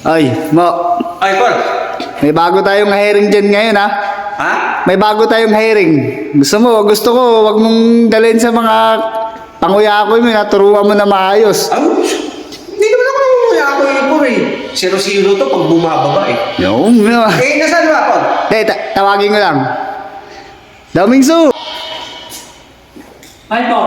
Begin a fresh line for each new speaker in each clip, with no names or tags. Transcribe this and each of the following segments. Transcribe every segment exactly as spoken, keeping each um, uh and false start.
Ay, Mo.
Ay, Paul.
May bago tayong hiring dyan ngayon, ha?
Ha?
May bago tayong hiring. Gusto mo, gusto ko, wag mong dalhin sa mga panguya ko mo, naturuan mo na maayos.
Ah, hindi naman ako nangunguya ako eh, Paul eh. Zero-zero to pag bumababa eh.
Yung, no.
Eh, nasaan ba, Paul?
Hindi, ta- tawagin ko lang. Damingsu!
Hi, Paul.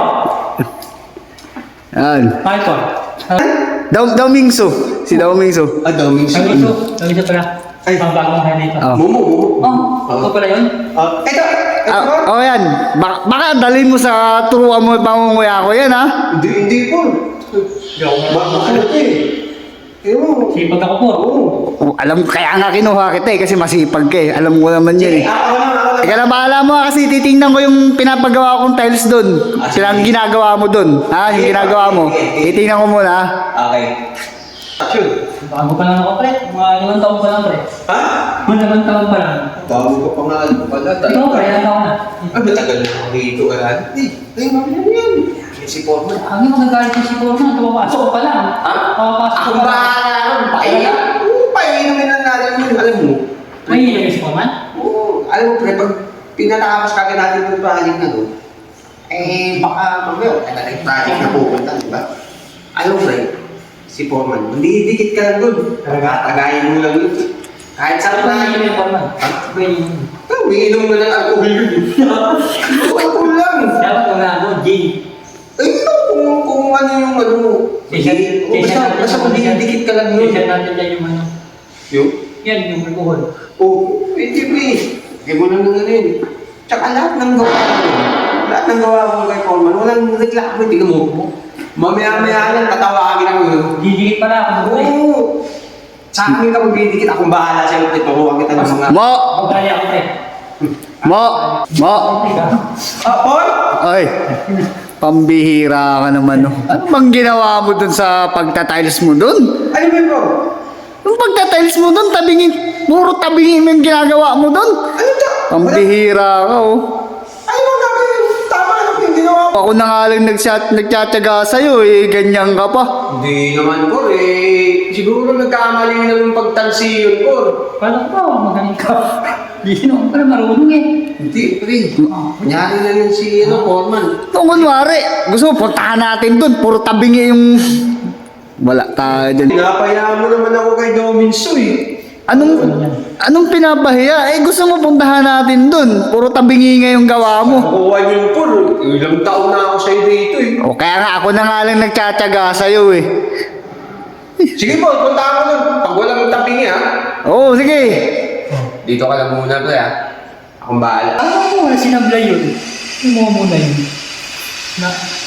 Yan.
Hi, Paul.
Daw, Damingsu. Si Damingsu.
Ah, daming
Sabi
sige.
ito. Sabi ito pala.
Ay.
Ang bagong hair dito.
Oh.
Mumu, mumu.
Oh, ito pala yun.
Ah, ito. Ito,
Ah,
Paul.
oh, yan. Baka, baka dalhin mo sa turuan mo pangunguya ko yan, ha?
Hindi, hindi, Paul. Ba, ano ito eh. Tingnan mo.
Sipag ako, Paul.
Oo.
Oh, alam, kaya nga kinuha kita eh, kasi masipag ka eh. Alam ko naman yan eh.
Ah, ako naman, ako
Ika
naman.
na bahala mo kasi titingnan ko yung pinapagawa kong tiles doon.
Ah,
Sila ang
sige.
ginagawa mo doon. Ha? Yung
Sige,
ginagawa mo.
sige, sige.
Titingnan ko muna, ha?
Okay. Action.
Bago pa lang ako, pre. Mga limang taon pa lang, pre.
Ha?
Mga limang taon pa lang.
Bago ka pa nga ano pala.
Ikaw, pre. Ilang taon na?
Ah, matagal na ako dito. Ah, eh, ay, mami na yan. Si Foreman.
Ang yung magagalit yung si Paul na. Tumapasok ko pa lang.
Ha?
Tumapasok ko
Ako
pa lang.
bahala nun. Pakinig. Oo, painumin lang natin yun. Alam mo.
May ilagay si Paul man?
Oo, alam mo pre, pag pinatapos kagad natin yung project na doon, eh baka mamaya, kaya na project na pupunta, di ba? Alam mo pre, si Foreman, hindi dikit ka lang doon. Tagayin mo lang yun. Kahit sa
Ano
project.
yung Paul man? Ano yung
Ah, umiinom na ng alcohol yun. Alcohol lang.
dapat wala ako, gin.
Ay, no, kung, kung ano yung ano mo.
T-shirt-
Oo, Basta,
t-shirt natin
basta
yung-
kung dikit ka lang yun.
T-shirt natin dyan yung ano.
Yung?
Yan, yung alcohol.
Oo, pwede ba eh. Kaya mo lang nung ano yun. Tsaka lahat ng gawa ko, lahat ng gawa ko kay Foreman, walang reklamo, tingnan mo. Mamaya-maya lang, tatawagin ako yun.
Didikit pala ako, pre.
Oo. Sa akin ka magbibigit, akong bahala sa'yo, tuturuan kita ng mga...
Mo!
Magali ako, pre.
Mo! Mo!
Ah, Paul?
Ay! Pambihira ka naman, no? Ano bang ginawa mo dun sa pagtatiles mo dun?
Ano ba yun, Paul?
Yung pagtatiles mo dun, tabingin, puro tabingin mo yung ginagawa mo dun.
Ano to?
Pambihira ka, oh.
Ano ba gagawin? Tama ano yung ginawa mo?
Ako na nga lang nagchat, nagtsatsaga sa'yo, eh, ganyan ka pa.
Hindi naman, Paul, eh. Siguro nagkamali na ng pagtansi yun, Paul.
Paano ba? Magaling ka. Hindi naman pala marunong eh.
Hindi, pre. Kunyari na lang si, ano, Foreman.
Kung kunwari, gusto mo, puntahan natin dun, puro tabingi yung... Wala tayo dyan.
Pinapaya mo naman ako kay Dominso, eh.
Anong, anong pinapahiya? Eh, gusto mo puntahan natin dun, puro tabingi nga yung gawa mo.
Nakuha niyo yung Paul. Ilang taon na ako sa'yo dito, eh.
O kaya nga ako na nga lang nagtsatsaga sa'yo, eh.
Sige, Paul, punta ako nun. Pag walang tapingi, ha?
Oo, sige.
Dito ka lang muna, pre, ha? Akong bahala.
Ano mo, sinablay yun? Yung mga muna yun. Na,